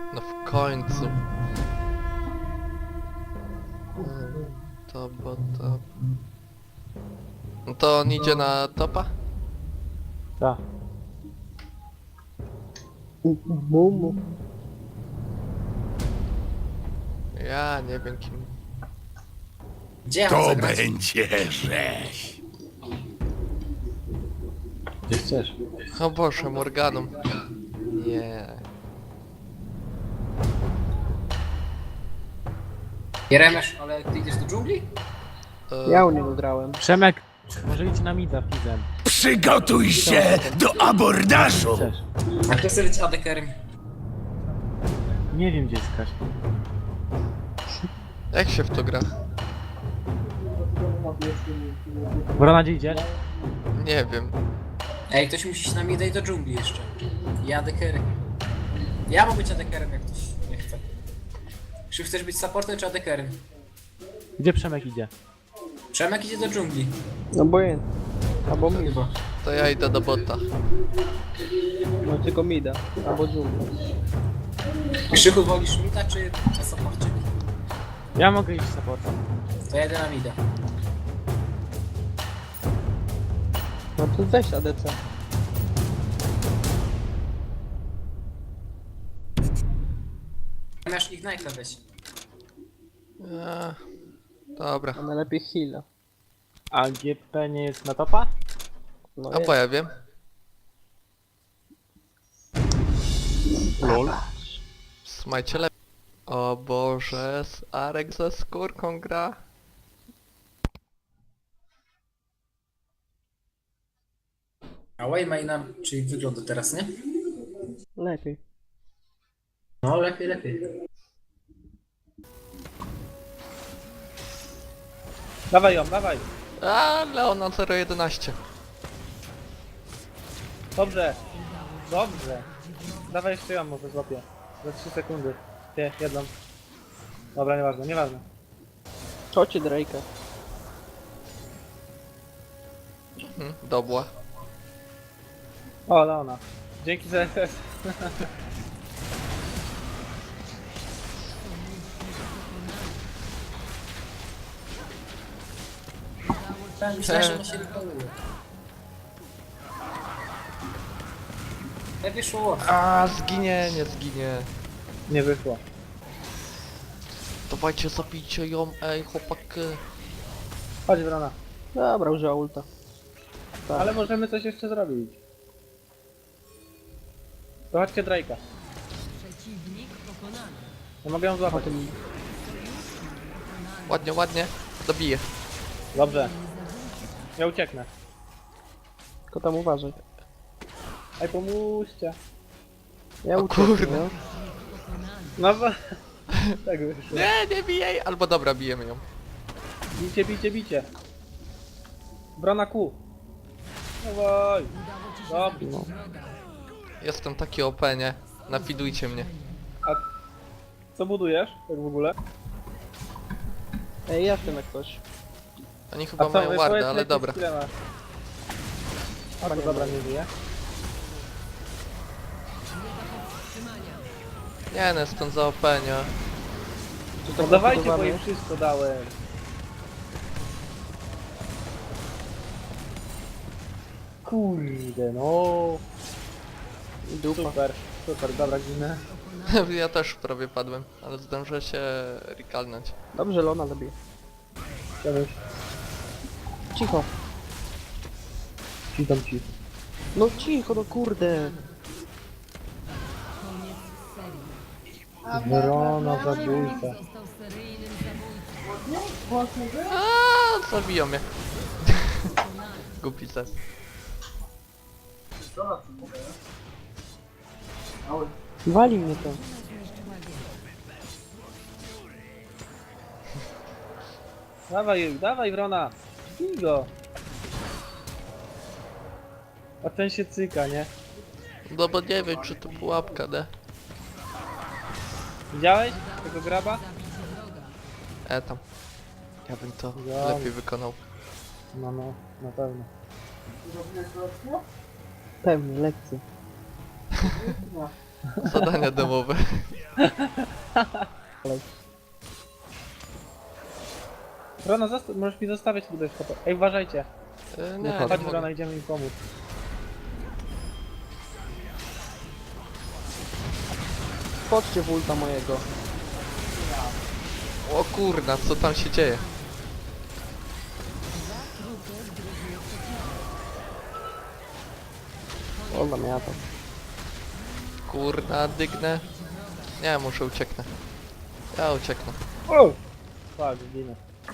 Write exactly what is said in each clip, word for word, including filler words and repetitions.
No w końcu. Hmm, To bo to... No to on idzie na topa? Tak. Mumu. Ja nie wiem kim. Gdzie ja mam To zagrać? będzie rzeź. Gdzie chcesz? O Boże, Morganą. Nie. Jeremiasz, ale ty idziesz do dżungli? E, Ja u niego grałem. Przemek, może idź na mida fizem. Przygotuj się do abordażu. Chcesz? A kto chce być adekerem? Nie wiem gdzie jest Kaś. Jak się w to gra? Brona, gdzie idziesz? Nie wiem. Ej, ktoś musi się na mnie dać do dżungli jeszcze. Ja adekerem. Ja mogę być adekerem, jak ktoś nie chce. Czy chcesz być supportem czy adekerem? Gdzie Przemek idzie? Przemek idzie do dżungli. Obojętnie. Albo mi. Chyba. To ja idę do bota. No tylko mida. Albo dżungla. Krzychu, wolisz mida czy na supporcie? Ja mogę iść supportem. To ja idę na mida. No to weź A D C. Masz Ignite'a weź. Eee, dobra. A najlepiej heala. A G P nie jest na topa? No A jest. bo ja wiem. Lol. Smajcie lepiej. O Boże, z Arek ze skórką gra. A Waymaina, czyli wygląda teraz, nie? Lepiej. No, lepiej, lepiej. Dawaj ją, dawaj. A Leona zero jedenaście. Dobrze. Dobrze. Dawaj jeszcze ją może złapię. Za trzy sekundy. Ty, jedną. Dobra, nieważne, nieważne. Chodźcie Drake'a. Mhm, dobła. O, Leona. Dzięki za S S. Myślałem, że ona się wykonuje. Jak wyszło? A zginie, nie zginie. Nie wyszło. Dawajcie, zabijcie ją, ej chłopaki. Chodź Brona. Dobra, użyła ulta. Tak. Ale możemy coś jeszcze zrobić. To chodźcie Drake'a. Ja mogę ją złapać. Ładnie, ładnie. Dobiję. Dobrze. Ja ucieknę. Tylko tam uważaj. Ej, pomóżcie. Ja O uciekłem, kurde. no. No bo... tak wyszło. Nie, nie bij jej. Albo dobra, bijemy ją. Bicie, bicie, bicie. Brona Q. Dawaj. Dobrze. No. Jestem taki O P, nie? Nafidujcie mnie. A co budujesz? Tak w ogóle? Ej, jestem jak ktoś. Oni chyba A co, mają powiedz, wardę, jakie ale dobra. skille masz? A to nie dobra, ma. nie żyje. Nie, no jestem za O P, nie? Czy No tak dawajcie, bo napakowany? im wszystko dałem. Kurde, no. Dupa. Super, super, dobra, ginę. Ja też prawie padłem, ale zdążę się rekalnąć. Dobrze, Lona zabije. Chciałbym Cicho. ci tam ci. No cicho, no kurde. Wyrona zabójca. Aaaa, zabiją mnie. Głupi ses. Wali mnie to. Dawaj, dawaj Wrona. Bij go. A ten się cyka, nie? No bo nie wiem, czy to pułapka, nie? Widziałeś tego graba? E tam. Ja bym to Dobra. lepiej wykonał. No, no, na pewno. Pewnie, lekcje. Zadania domowe. Rona, zosta- możesz mi zostawić tutaj foto. Ej, uważajcie. E, nie, nie Chodź, mogę. Rona, idziemy im pomóc. Chodźcie w ulta mojego. O kurna, co tam się dzieje? Ola miała tam. Kurna, dygnę. Nie, muszę ucieknę. Ja ucieknę. O! Tak, zginę.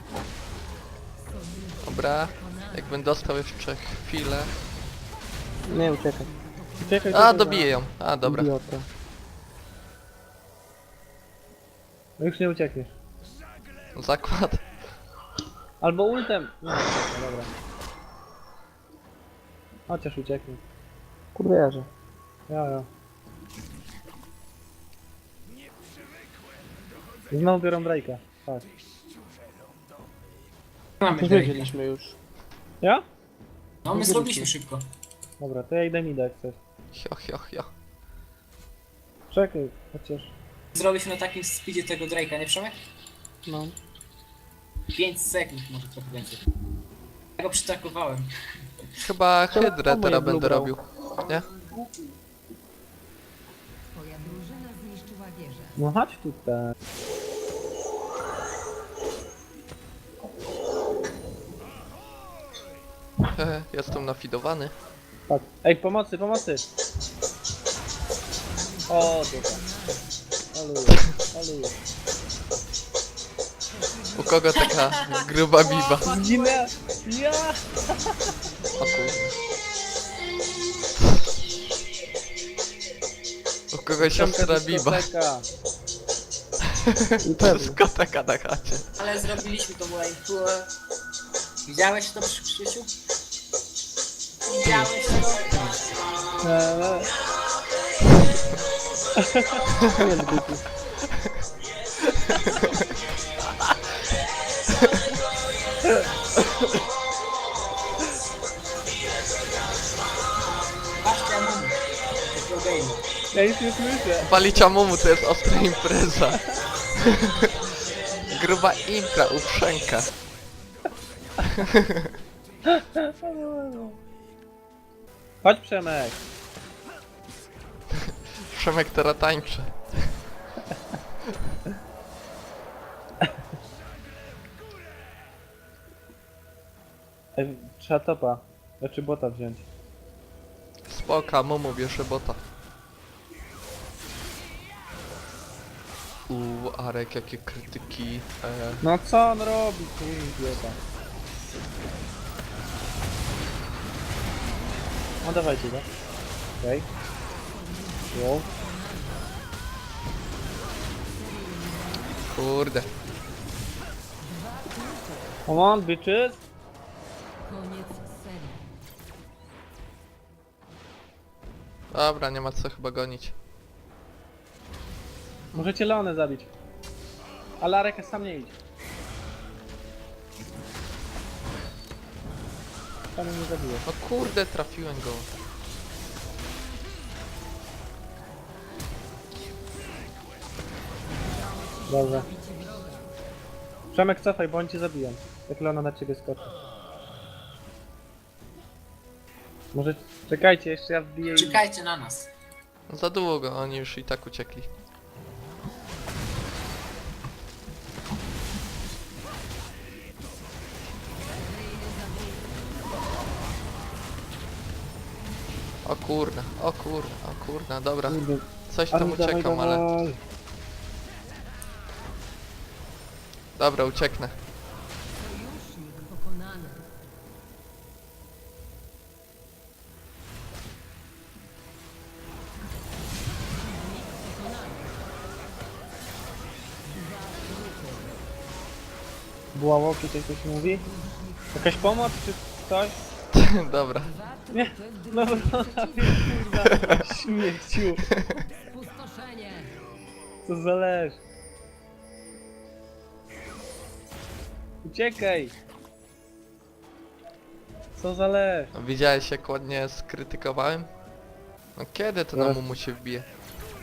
Dobra. Jakbym dostał jeszcze chwilę. Nie uciekaj. Uciekaj, A, uciekaj, dobiję ją. A, dobra. Idiota. No już nie uciekniesz. Zakład. Albo ultem. Nie, no dobra. Chociaż ucieknie. Kurde jarze. Ja, ja. I znowu biorą Drake'a. Tak. Mamy To Drake'a. wiedzieliśmy już. Ja? No my zrobiliśmy szybko. Dobra, to ja idę mida jak chcesz. Hio, hio, hio. Czekaj, chociaż... Zrobiliśmy na takim speedzie tego Drake'a, nie Przemek? No. pięć sekund, może trochę więcej. Ja go przytakowałem. Chyba Czemu hydrę moje teraz blue będę brał? robił. Nie? Twoja drużyna zniszczyła wieżę. No chodź tutaj. Hehe, jestem nafidowany. Tak. Ej, pomocy, pomocy! O, dobra. Aluję, aluję. U kogo taka gruba biba? Zginę! Ja! O kurwa. U kogoś siostra biba. dyskoteka. I pewnie. Dyskoteka na chacie. Ale zrobiliśmy to moje płe. Widziałeś to przy Krzysiu? Widziałeś to? Eee, Koniec bytu. Patrzcie, mamy. Takiego game'u. ja nic nie słyszę. Walicia mumu to jest ostra impreza. Gruba impra, uprzęka. Chodź Przemek. Przemek teraz tańczy. Ej, trzeba topa. Znaczy bota wziąć. Spoka, mumu bierze bota. Uuu, Arek, jakie krytyki. E, No co on robi, tu idiota. No dawajcie go. Okej. Okay. kurde. Come on, bitches! Koniec serii. Dobra, nie ma co chyba gonić. Możecie Leonę zabić. Ale Arek sam nie idź. Sam mnie nie zabiję. No kurde, trafiłem go. Dobrze. Przemek, cofaj, bo on cię zabiją. Jak Leona na ciebie skoczy. Może... Czekajcie, jeszcze ja wbiję i... Czekajcie na nas. Za długo, oni już i tak uciekli. O kurna, o kurna, o kurna, dobra. Kurde. Coś tam Ale dawaj, uciekam, ale... dawaj. Dobra, ucieknę. Sojusznik pokonany. Była łoki, coś coś mówi? Jakaś pomoc, czy coś? Dobra. Nie, no no, kurwa, śmieciu, Spustoszenie. co zależy. Uciekaj! Co zależy? Widziałeś jak ładnie skrytykowałem? No kiedy to na Teraz- mumu się wbije?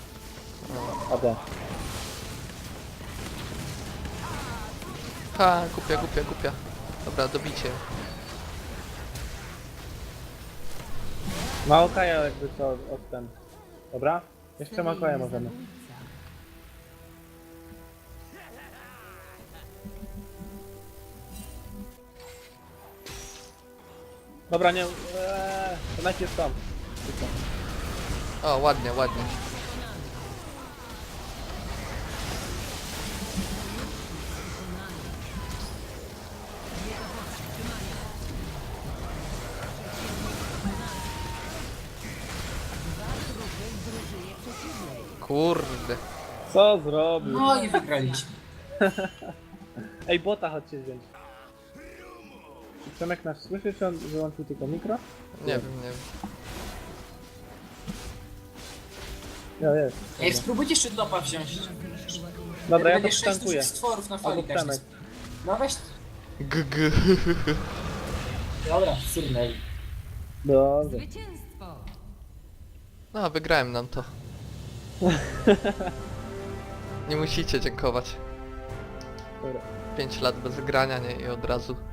A D. Ha, głupia, głupia, głupia. Dobra, dobicie. Ma Okaja jakby co od ten. Dobra? Jeszcze ma Okaja możemy. Zabójca. Dobra, nie... Eee, to najpierw tam. Tylko. O, ładnie, ładnie. Kurde. Co zrobił? No i wygraliśmy. Ej, bota chodźcie wziąć. Czy Przemek nas słyszy, czy on wyłączył tylko mikro? Nie wiem, nie wiem. Ja jest. Ej, spróbujcie jeszcze topa wziąć. Dobra, ja to Będzie sześć przytankuję. dużych stworów na Albo fali każdy. Przemek. No weź. G, g. Dobra, surnęli. Dobrze. Zwycięstwo! No, wygrałem nam to. Nie musicie dziękować. Dobra. pięć lat bez grania, nie? I od razu